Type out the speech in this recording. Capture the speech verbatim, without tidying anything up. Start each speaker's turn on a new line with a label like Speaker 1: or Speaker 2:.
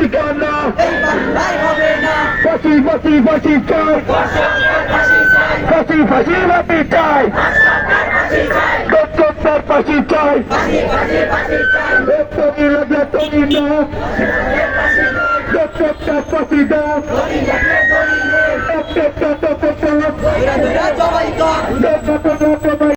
Speaker 1: ফাঁসি কেন
Speaker 2: এই বাংলায় হবে না
Speaker 1: ফাঁসি ফাঁসি ফাঁসি চাই ফাঁসি ফাঁসি ফাঁসি চাই ডক্টর ফাঁসি চাই তুমি লাগলে তুমি না ডক্টর ফাঁসি দাও ডক্টর
Speaker 2: জবাই কর